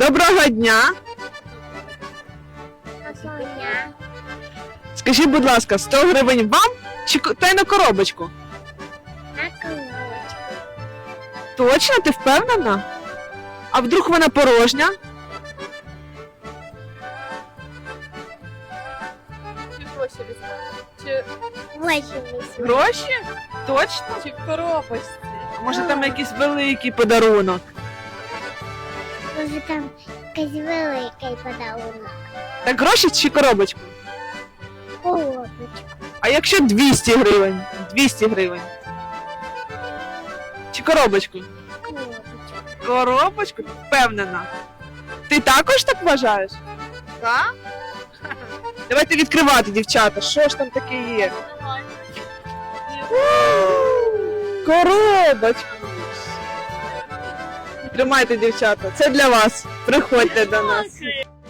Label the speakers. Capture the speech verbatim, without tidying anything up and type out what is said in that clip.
Speaker 1: Доброго дня!
Speaker 2: Соня.
Speaker 1: Скажіть, будь ласка, сто гривень вам чи ко- тайну коробочку?
Speaker 2: На колочку.
Speaker 1: Точно, ти впевнена? А вдруг вона порожня?
Speaker 3: Чи гроші візьмемо? Чи,
Speaker 2: Восемь.
Speaker 1: Гроші? Точно?
Speaker 3: чи в коробочці?
Speaker 1: А може там якийсь великий подарунок?
Speaker 2: Може там якийсь великий подарунок.
Speaker 1: Так гроші чи коробочку?
Speaker 2: Коробочку.
Speaker 1: А якщо двісті гривень? двісті гривень. Чи коробочку?
Speaker 2: Коробочку.
Speaker 1: Коробочку? Впевнена. Ти також так вважаєш? Так? Давайте відкривати, дівчата. Що ж там таке є? Коробочку. Тримайте, дівчата. Це для вас. Приходьте до нас.